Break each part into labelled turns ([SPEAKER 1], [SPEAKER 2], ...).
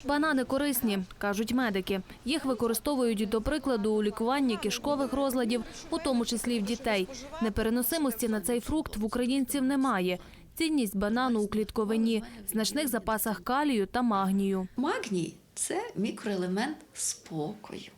[SPEAKER 1] Банани корисні, кажуть медики. Їх використовують, до прикладу, у лікуванні кишкових розладів, у тому числі в дітей. Непереносимості на цей фрукт в українців немає. Цінність банану у клітковині, значних запасах калію та магнію.
[SPEAKER 2] Магній – це мікроелемент спокою.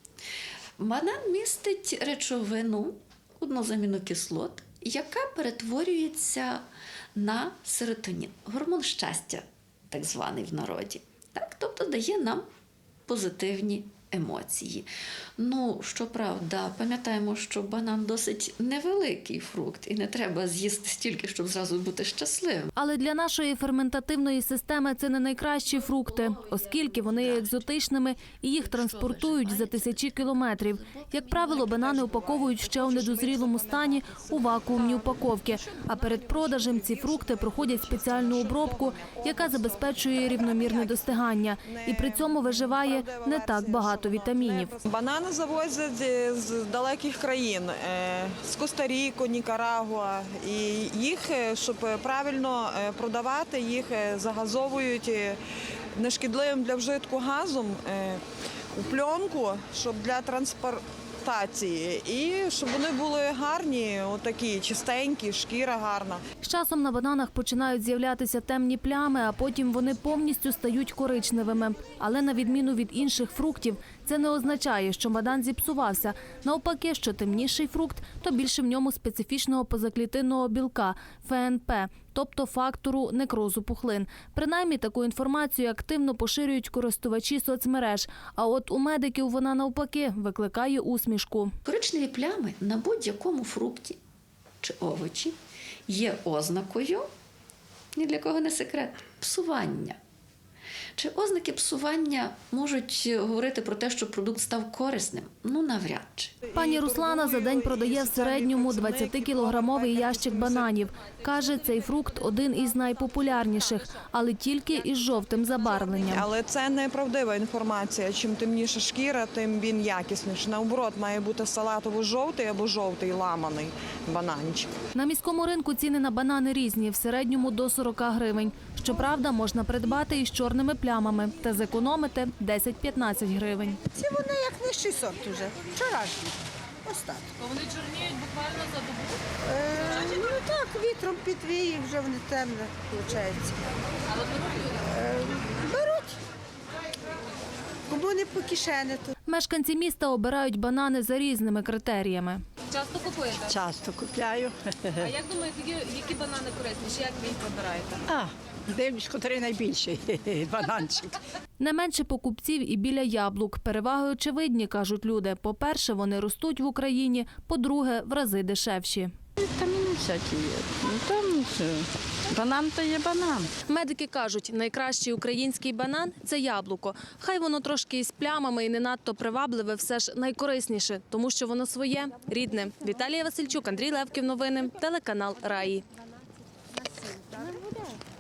[SPEAKER 2] Банан містить речовину, одну з амінокислот, яка перетворюється на серотонін, гормон щастя, так званий в народі. Так? Тобто дає нам позитивні емоції. Ну, щоправда, пам'ятаємо, що банан досить невеликий фрукт і не треба з'їсти стільки, щоб зразу бути щасливим.
[SPEAKER 1] Але для нашої ферментативної системи це не найкращі фрукти, оскільки вони є екзотичними і їх транспортують за тисячі кілометрів. Як правило, банани упаковують ще у недозрілому стані у вакуумні упаковки, а перед продажем ці фрукти проходять спеціальну обробку, яка забезпечує рівномірне достигання. І при цьому виживає не так багато вітамінів.
[SPEAKER 3] Банани завозять з далеких країн, з Коста-Ріки, Нікарагуа. І їх, щоб правильно продавати, їх загазовують нешкідливим для вжитку газом у пленку, щоб для транспортації. І щоб вони були гарні, отакі, чистенькі, шкіра гарна.
[SPEAKER 1] З часом на бананах починають з'являтися темні плями, а потім вони повністю стають коричневими. Але на відміну від інших фруктів, це не означає, що банан зіпсувався. Навпаки, що темніший фрукт, то більше в ньому специфічного позаклітинного білка – ФНП, тобто фактору некрозу пухлин. Принаймні, таку інформацію активно поширюють користувачі соцмереж. А от у медиків вона навпаки викликає усмішку.
[SPEAKER 2] Коричневі плями на будь-якому фрукті чи овочі є ознакою, ні для кого не секрет, псування. Чи ознаки псування можуть говорити про те, що продукт став корисним? Ну, навряд чи.
[SPEAKER 1] Пані Руслана за день продає в середньому 20-кілограмовий ящик бананів. Каже, цей фрукт один із найпопулярніших, але тільки із жовтим забарвленням.
[SPEAKER 3] Але це неправдива інформація. Чим темніша шкіра, тим він якісніший. Наоборот, має бути салатово-жовтий або жовтий ламаний бананчик.
[SPEAKER 1] На міському ринку ціни на банани різні, в середньому до 40 гривень. Щоправда, можна придбати із чорними плямами та зекономити 10-15 гривень.
[SPEAKER 4] Ці вони як нижчий сорт уже, вчорашні. Ось так.
[SPEAKER 1] То вони чорніють буквально за добу?
[SPEAKER 4] Ну так, вітром підвіє, вже вони темне, виходить.
[SPEAKER 1] Але
[SPEAKER 4] Беруть. Кому не по кишені, то
[SPEAKER 1] мешканці міста обирають банани за різними критеріями.
[SPEAKER 5] Часто купуєте?
[SPEAKER 6] Часто купляю.
[SPEAKER 5] А як думаєте, які банани корисніші? Як ви їх вибираєте?
[SPEAKER 6] Дивлюсь, котрий найбільший бананчик.
[SPEAKER 1] Не менше покупців і біля яблук. Переваги очевидні, кажуть люди. По-перше, вони ростуть в Україні, по-друге, в рази дешевші.
[SPEAKER 6] Вітаміни всякі є. Ну, там банан то є банан.
[SPEAKER 1] Медики кажуть, найкращий український банан – це яблуко. Хай воно трошки із плямами і не надто привабливе, все ж найкорисніше, тому що воно своє, рідне. Віталія Васильчук, Андрій Левків. Новини. Телеканал «Раї».